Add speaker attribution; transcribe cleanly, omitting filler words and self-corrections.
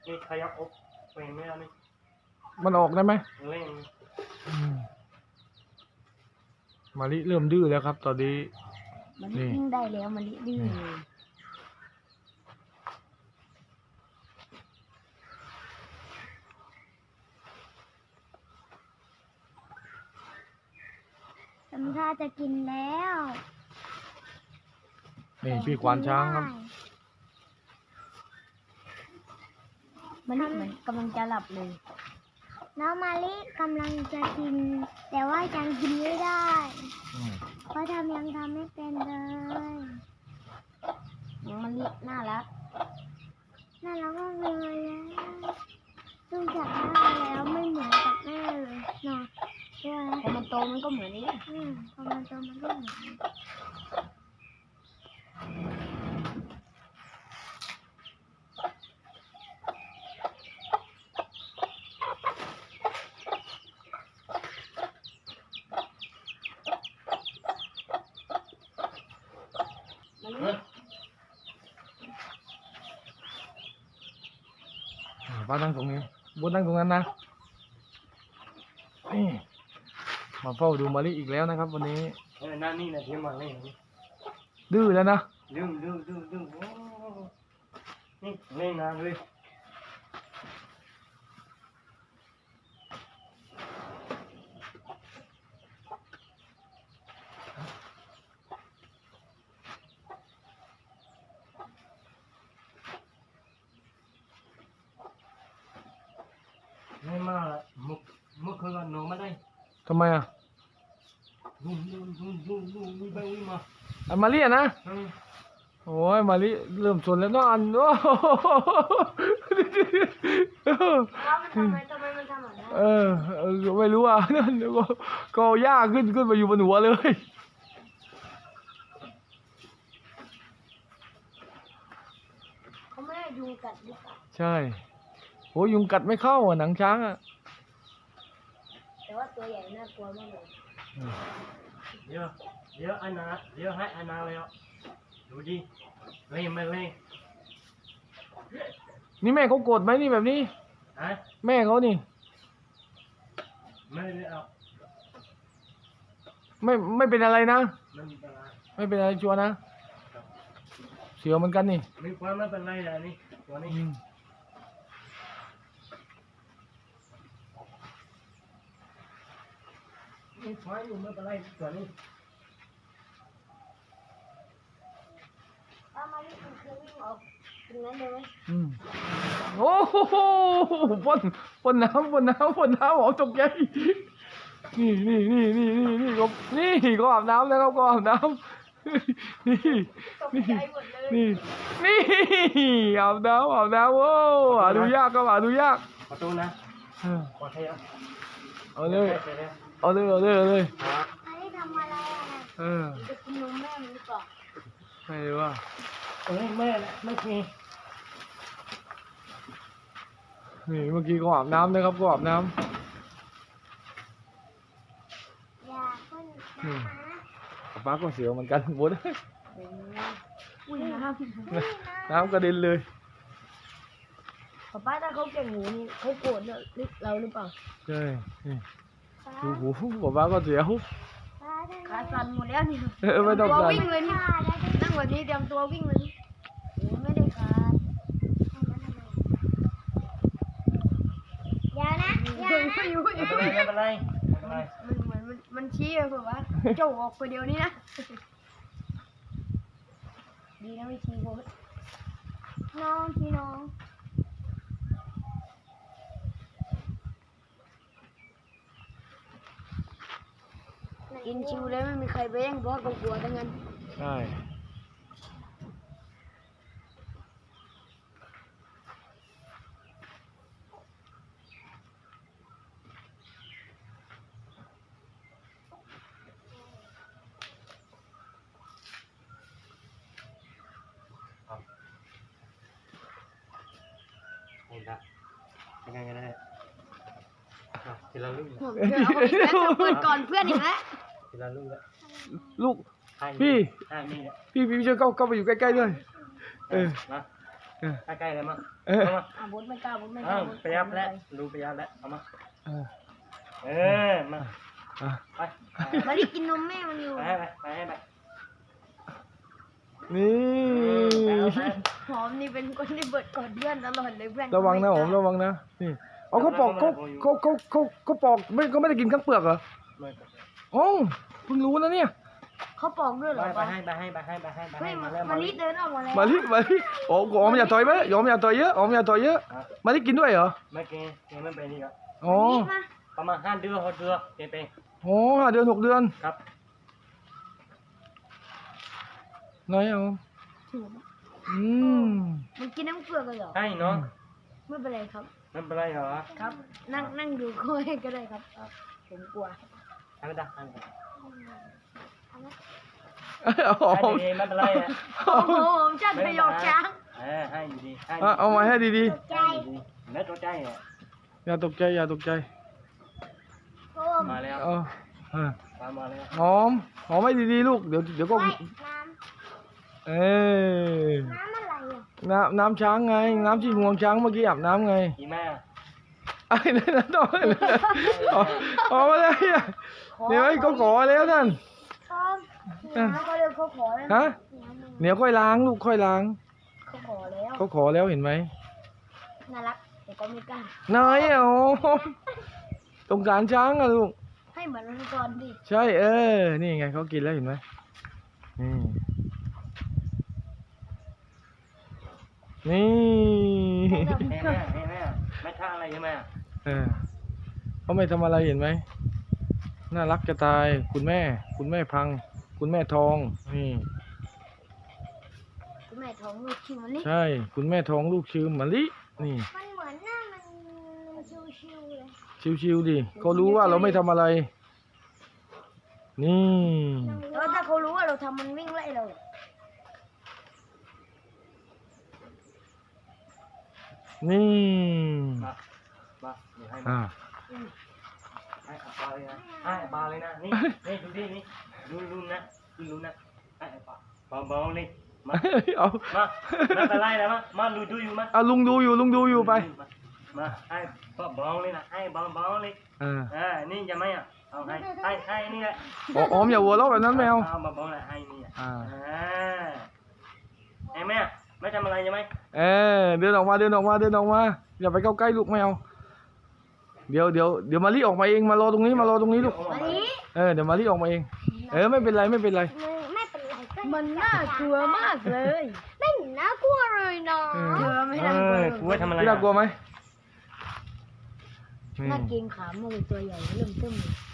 Speaker 1: นี่ขยับอกเป็นไม่ได้นี่
Speaker 2: มันออกได้ไหม
Speaker 1: เล่น
Speaker 2: มะลิเริ่มดื้อแล้วครับตอนนี้
Speaker 3: มันยิ่งได้แล้วมันดื้อเลยทำท่าจะกินแล้ว
Speaker 2: นี่พี่ควานช้างครับ
Speaker 3: มันเหมือนกำลังจะหลับเลยน้องมาลิกำลังจะกินแต่ว่ายังกินไม่ได้เพราะยังทำไม่เป็นเลยน้องมาลิน่ารักมากเลยซึ่งจากหน้าแล้วไม่เหมือนกับแม่เลยเนาะใช่ไหมพอมันโตมันก็เหมือนนี้พอมันโตมันก็เหมือนนี้
Speaker 2: ป้านั่งตรงนี้บนนั่งตรงนั้นนะนี่มาเฝ้าดูมะลิอีกแล้วนะครับวันนี้
Speaker 1: นั่นนี่นะที่มาเล่น
Speaker 2: ดื้อแล้วนะ
Speaker 1: ดื้อนี่เล่นนานเลยไม่มามุกคืนกันหนูไม่ได้
Speaker 2: ทำไมอ่ะ
Speaker 1: วิ่งไปวิ่งมา
Speaker 2: อันมาลิอ่ะนะโอ้ยมาลิเริ่มสนแล้วเนาะอันโอ้
Speaker 3: ทำไมมันทำแบบนั้น
Speaker 2: ไม่รู้อ่ะนั่นก็ยากขึ้นมาอยู่บนหัวเลย
Speaker 3: เขาไม่ได้ยุงกัดหรือเปล่า
Speaker 2: ใช่โหยุงกัดไม่เข้าอ่ะหนังช้างอ่ะ
Speaker 3: แต่ว่าตัวใหญ่น่ากลัวมากเลย
Speaker 1: เดี๋ยวอันนาเดี๋ยวให้อันนาเลยอ่ะดูดิเล่นไม่เล่น
Speaker 2: นี่แม่เขาโกรธไหมนี่แบบนี้แม่เขานี่
Speaker 1: ไม่ได้เอา
Speaker 2: ไม่เป็นอะไรนะ
Speaker 1: ไม่เป็นไร
Speaker 2: ชัวร์นะเสียวเหมือนกันนี่
Speaker 1: ไม่เป็นไรนะนี่ตัวนี้ไม่ควายอยู่ไม่เป็นไรตัวนี้
Speaker 3: มาลิมันเคยวิ่งออกตรงนั้นเลยไหม
Speaker 2: โอ้โหพ่นน้ำออกตกใจนี่ก็อาบน้ำแล้วก็อาบน้ำนี่อาบน้ำโอ้หาดูยากก็หาดูยาก
Speaker 1: ขอโทษนะขอโทษ
Speaker 2: เอาเลย
Speaker 3: มาลิทำอะไรจะกินนมแม่มันหรือเปล่า
Speaker 2: ไม่รู้ว่า
Speaker 1: แม่ไม่มี
Speaker 2: นี่เมื่อกี้ก็อาบน้ำนะครับก็อาบน้ำป้าก็เสียวเหมือนกันบดน้ำกระเด็นเลย
Speaker 3: ป้าถ้าเขาเก่งหนูนี่เขาโกรธเราหรือเปล่า
Speaker 2: ใช่ดูหูป้าก็เสียว
Speaker 3: ขาสั่นหมดแล้วนี่
Speaker 2: ไม่ต้อง
Speaker 3: ตัววิ่งเลยนี่นั่งแบบนี้เตรียมตัววิ่งเลยนี่ไม่ได้ขาดอย่านะ
Speaker 1: ไม่เป็นไร
Speaker 3: มันชี้เลยแบบว่าเจ้าออกไปเดียวนี้นะดีนะไม่ชี้โบสน้องพี่น้องกินชิวเลยไม่มีใครไปแย่งเพราะกลัวทั้งนั้น
Speaker 2: ใช่
Speaker 1: ยังไงกันได้ทีละลูก
Speaker 3: เปิดก่อนเพื่อนอีกแล้ว
Speaker 1: ทีละลูกแล้ว
Speaker 2: ลูกพี่ช่วยเข้าไปอยู่ใกล้ๆด้วย
Speaker 1: ใกล้ๆเลยมั้ง
Speaker 2: เออ
Speaker 1: เอามา
Speaker 3: บดไม่กล้าบดไม่ก
Speaker 1: อ้า
Speaker 3: ล้าว
Speaker 1: ไปยับแล้วรู้ไปยับแล้วเอามา
Speaker 2: เออ
Speaker 1: มา
Speaker 2: อ่ะ
Speaker 1: ไป
Speaker 3: มารีกินนมแม่มันอยู่
Speaker 1: ไปให้ไป
Speaker 2: นี่
Speaker 3: หอมนี่เป็นคนที่เบิดก่อนเพื่อนตลอดเลยเพื่อน
Speaker 2: ระวังนะผมระวังนะนี่เอาเขาปอกเขาปอกไม่ก็ไม่ได้กินข้างเปลือกเหรอโอ้เพิ่งรู้นะเนี่ย
Speaker 3: เขาปอกด้วยเหรอ
Speaker 1: ไปให้
Speaker 3: เฮ้ย
Speaker 1: มาแล้ว
Speaker 3: มารีเดินออกมาแล้ว
Speaker 2: มาลิโอ้หอมอย่าต่อยไหมหอมอย่าต่อยเยอะหอมอย่าต่อยเยอะมาลิกินด้วยเหรอ
Speaker 1: ไม่เกย์ไม่ไปนี่ครับ
Speaker 2: อ๋อ
Speaker 3: มา
Speaker 1: ประมาณ5 เดือน6 เดือนเกย์ไป
Speaker 2: โอ้5 เดือน 6 เดือน
Speaker 1: ครับ
Speaker 2: น้อยเอาอืม
Speaker 3: มันกินน้ำเกลือกันเหรอ
Speaker 1: ให้เนาะ
Speaker 3: ไม่เป็นไรครับ
Speaker 1: ไม่เป็นไรเหรอ
Speaker 3: ครับ นั่งดูเขาให้ก็ได้ครับผมกลัว
Speaker 1: ให้ไม่ได้ให้
Speaker 2: เอาหอม
Speaker 1: ดีไม่เป็นไรอ่ะ
Speaker 3: โอ้โหผมชาติประโยคช้าง
Speaker 1: ให้อยู่ดีให้
Speaker 2: เอามาให้ดี
Speaker 3: ใจ
Speaker 1: แล้วตัวใจอ่ะ
Speaker 2: ๆอย่าตกใจอย่าตกใจ
Speaker 3: โอ้
Speaker 1: มาแล้ว
Speaker 2: เอาอ่ะ
Speaker 1: มาแล้ว
Speaker 2: หอมให้ดีๆลูกเดี๋ยวก็
Speaker 3: น้
Speaker 2: เอ้ย
Speaker 3: ำอะไรอ่ะ
Speaker 2: น้ำช้างไงน้ำที่งวงช้างเมื่อกี้อาบน้ำไง
Speaker 1: กี่แม่
Speaker 2: ไอ้นั่นต้องอ๋อมาเลยเดี๋ยวเขาขอแล้วนั่น
Speaker 3: ชอบน้ำเขาเดินเขาขอแล้ว
Speaker 2: ฮะเดี๋ยวค่อยล้างลูกค่อยล้าง
Speaker 3: เขาขอแล้ว
Speaker 2: เขาขอแล้วเห็นไหม
Speaker 3: น่ารักแต่ก็ไม่กล้า
Speaker 2: น้อยอ่ะโอ้สงสารช้างอ่ะลูก
Speaker 3: ให้เหมือนมังกรดิ
Speaker 2: ใช่นี่ไงเขากินแล้วเห็นไหมนี่
Speaker 1: ให้แม่ไม่ท่าอะไรใช่ไหม
Speaker 2: เขาไม่ทำอะไรเห็นไหมน่ารักจะตายคุณแม่พัง คุณแม่ทองนี่
Speaker 3: คุณแม่ท้องลูกชิวมันนี่
Speaker 2: ใช่ คุณแม่ทองลูกชื่อมะลินี่
Speaker 3: มันเหมือนหน้ามันชิวๆเลย
Speaker 2: ชิวๆดิเขารู้ว่าเราไม่ทำอะไร นี่
Speaker 3: แล้วถ้าเขารู้ว่าเราทำมันวิ่งไล่เรา
Speaker 2: นี่
Speaker 1: มาอยู่ให้
Speaker 2: อ่า
Speaker 1: ให้ปลาเลยนะให้ปลาเลยนะนี่ดูดินี่ดูนะดูนะให้ปลาเบาๆเลยมา
Speaker 2: เอา
Speaker 1: มาไม่เป็นไรนะมาดูอยู่มา
Speaker 2: เอาลุงดูอยู่ไป
Speaker 1: มาให้เบาๆเลยนะให้เบาๆเลยนี่ยังไม่อ่ะเอาให้นี่แหละ
Speaker 2: หอมอย่าหัวเราะแบบนั้นแมว
Speaker 1: เอาเบาๆเลยให้นี่ ไอ้แม่ไม่ทำอะไรใช่ไหม
Speaker 2: เดินออกมาอย่าไปเข้าใกล้ลูกไม่เอาเดี๋ยวมารีออกมาเองมารอตรงนี้ลูก
Speaker 3: มาดิ
Speaker 2: เดี๋ยวมารีออกมาเองไม่เป็นไร
Speaker 3: ไม่เป็นไรมันน่ากลัวมากเลยไม่น่ากลัวเลยเนาะเธอไม่น่ากลัว
Speaker 1: กูว่าทำอะไร
Speaker 2: พี่น่ากลัวไหม
Speaker 3: น่าเกรงขามากเลยตัวใหญ่เริ่มเติมเลย